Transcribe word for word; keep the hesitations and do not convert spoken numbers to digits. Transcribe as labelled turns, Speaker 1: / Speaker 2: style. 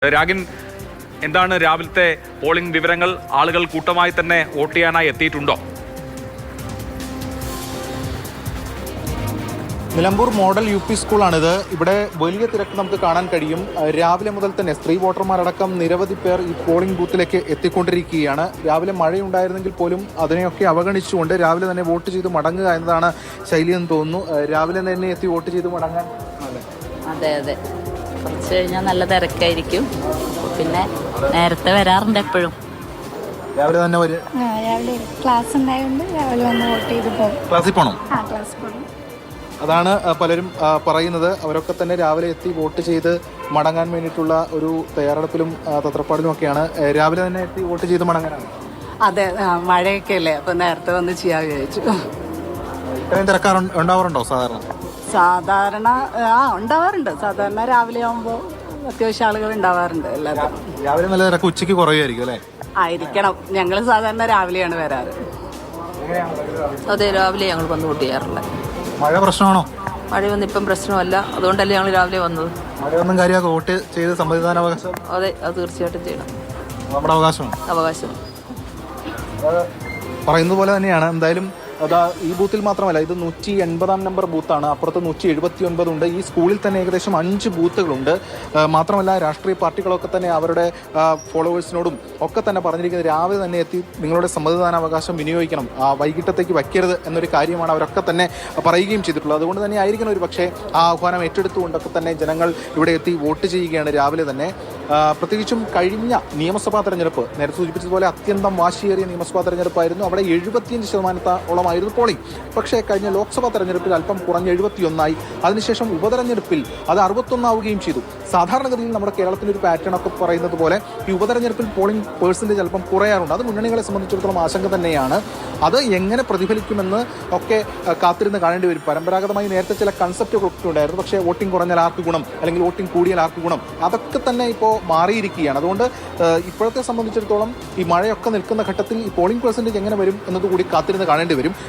Speaker 1: രാഗിൻ, എന്താണ് രാവിലത്തെ പോളിംഗ് വിവരങ്ങൾ? ആളുകൾ കൂട്ടമായി തന്നെ വോട്ട് ചെയ്യാനായി എത്തിയിട്ടുണ്ടോ?
Speaker 2: നിലമ്പൂർ മോഡൽ യു പി സ്കൂളാണിത്. ഇവിടെ വലിയ തിരക്ക് നമുക്ക് കാണാൻ കഴിയും. രാവിലെ മുതൽ തന്നെ സ്ത്രീ വോട്ടർമാരടക്കം നിരവധി പേർ ഈ പോളിംഗ് ബൂത്തിലേക്ക് എത്തിക്കൊണ്ടിരിക്കുകയാണ്. രാവിലെ മഴയുണ്ടായിരുന്നെങ്കിൽ പോലും അതിനെയൊക്കെ അവഗണിച്ചുകൊണ്ട് രാവിലെ തന്നെ വോട്ട് ചെയ്ത് മടങ്ങുക എന്നതാണ് ശൈലിയെന്ന് തോന്നുന്നു. രാവിലെ തന്നെ എത്തി വോട്ട് ചെയ്ത് മടങ്ങാൻ.
Speaker 3: അതെ അതെ കുറച്ച് കഴിഞ്ഞാൽ നല്ല തിരക്കായിരിക്കും. പിന്നെ നേരത്തെ വരാറുണ്ട് എപ്പോഴും.
Speaker 2: രാവിലെ തന്നെ വരും.
Speaker 4: രാവിലെ ക്ലാസ് ഉണ്ടായതുകൊണ്ട് രാവിലെ വന്ന് വോട്ട് ചെയ്ത് പോകും.
Speaker 2: ക്ലാസ്സിൽ പോകണം.
Speaker 4: ആ ക്ലാസ് പോകണം.
Speaker 2: അതാണ് പലരും പറയുന്നത്. അവരൊക്കെ തന്നെ രാവിലെ എത്തി വോട്ട് ചെയ്ത് മടങ്ങാൻ വേണ്ടിയിട്ടുള്ള ഒരു തയ്യാറെടുപ്പിലും തത്രപ്പാടിലും ഒക്കെയാണ്. രാവിലെ തന്നെ എത്തി വോട്ട് ചെയ്ത് മടങ്ങാനാണ്.
Speaker 5: അതെ, മഴയൊക്കെ അല്ലേ, അപ്പൊ നേരത്തെ വന്ന് ചെയ്യാൻ വിചാരിച്ചു.
Speaker 2: ഇത്രയും തിരക്കാർ ഉണ്ടാവാറുണ്ടോ സാധാരണ?
Speaker 5: സാധാരണ ആ ഉണ്ടാവാറുണ്ട്. സാധാരണ രാവിലെ ആകുമ്പോൾ അത്യാവശ്യം ആളുകൾ ഉണ്ടാവാറുണ്ട്. എല്ലാവരും
Speaker 2: രാവിലെ നല്ല തിരക്ക് ഉച്ചയ്ക്ക് കുറയുമായിരിക്കും അല്ലേ?
Speaker 5: ആയിരിക്കണം. ഞങ്ങൾ സാധാരണ രാവിലെയാണ് വരാറ്.
Speaker 3: അതെ, രാവിലെ ഞങ്ങൾ വന്ന് വോട്ട് ചെയ്യാറുണ്ട്.
Speaker 2: മഴ പ്രശ്നമാണോ?
Speaker 3: മഴയൊന്നും ഇപ്പം പ്രശ്നമല്ല, അതുകൊണ്ടല്ലേ ഞങ്ങൾ രാവിലെ വന്നത്.
Speaker 2: മഴയൊന്നും കാര്യമാക്കി വോട്ട് ചെയ്ത് സമ്മതിദാനാവകാശം.
Speaker 3: അതെ, അത് തീർച്ചയായിട്ടും ചെയ്യണം.
Speaker 2: നമ്മുടെ അവകാശമാണ്.
Speaker 3: അവകാശം
Speaker 2: പറയുന്നത് പോലെ തന്നെയാണ്. എന്തായാലും അതാ ഈ ബൂത്തിൽ മാത്രമല്ല, ഇത് നൂറ്റി എൺപതാം നമ്പർ ബൂത്താണ്. അപ്പുറത്ത് നൂറ്റി എഴുപത്തി ഒൻപതുണ്ട്. ഈ സ്കൂളിൽ തന്നെ ഏകദേശം അഞ്ച് ബൂത്തുകളുണ്ട്. മാത്രമല്ല രാഷ്ട്രീയ പാർട്ടികളൊക്കെ തന്നെ അവരുടെ ഫോളോവേഴ്സിനോടും ഒക്കെ തന്നെ പറഞ്ഞിരിക്കുന്നത് രാവിലെ തന്നെ എത്തി നിങ്ങളുടെ സമ്മതിദാനാവകാശം വിനിയോഗിക്കണം, വൈകിട്ടത്തേക്ക് വയ്ക്കരുത് എന്നൊരു കാര്യമാണ് അവരൊക്കെ തന്നെ പറയുകയും ചെയ്തിട്ടുള്ളത്. അതുകൊണ്ട് തന്നെ ആയിരിക്കണം ഒരു പക്ഷേ ആ ആഹ്വാനം ഏറ്റെടുത്തുകൊണ്ടൊക്കെ തന്നെ ജനങ്ങൾ ഇവിടെ എത്തി വോട്ട് ചെയ്യുകയാണ് രാവിലെ തന്നെ. പ്രത്യേകിച്ചും കഴിഞ്ഞ നിയമസഭാ തെരഞ്ഞെടുപ്പ് നേരത്തെ സൂചിപ്പിച്ചതുപോലെ അത്യന്തം വാശിയേറിയ നിയമസഭാ തെരഞ്ഞെടുപ്പായിരുന്നു. അവിടെ എഴുപത്തിയഞ്ച് ശതമാനത്തോളം ആയിരുന്നു പോളിംഗ്. പക്ഷേ കഴിഞ്ഞ ലോക്സഭാ തെരഞ്ഞെടുപ്പിൽ അല്പം കുറഞ്ഞ് എഴുപത്തിയൊന്നായി. അതിനുശേഷം ഉപതെരഞ്ഞെടുപ്പിൽ അത് അറുപത്തൊന്നാവുകയും ചെയ്തു. സാധാരണഗതിയിൽ നമ്മുടെ കേരളത്തിൻ്റെ ഒരു പാറ്റേൺ ഒക്കെ പറയുന്നത് പോലെ ഈ ഉപതെരഞ്ഞെടുപ്പിൽ പോളിംഗ് പേഴ്സൻറ്റേജ് അല്പം കുറയാറുണ്ട്. അത് മുന്നണികളെ സംബന്ധിച്ചിടത്തോളം ആശങ്ക തന്നെയാണ്. അത് എങ്ങനെ പ്രതിഫലിക്കുമെന്ന് ഒക്കെ കാത്തിരുന്ന് കാണേണ്ടി വരും. പരമ്പരാഗതമായി നേരത്തെ ചില കൺസെപ്റ്റുകളൊക്കെ ഉണ്ടായിരുന്നു. പക്ഷേ വോട്ടിംഗ് കുറഞ്ഞാൽ ആർക്ക് ഗുണം, അല്ലെങ്കിൽ വോട്ടിംഗ് കൂടിയാൽ ആർക്ക് ഗുണം, അതൊക്കെ തന്നെ ഇപ്പോൾ മാറിയിരിക്കുകയാണ്. അതുകൊണ്ട് ഇപ്പോഴത്തെ സംബന്ധിച്ചിടത്തോളം ഈ മഴയൊക്കെ നിൽക്കുന്ന ഘട്ടത്തിൽ ഈ പോളിംഗ് പെർസെൻറ്റേജ് എങ്ങനെ വരും എന്നതുകൂടി കാത്തിരുന്ന് കാണേണ്ടി വരും.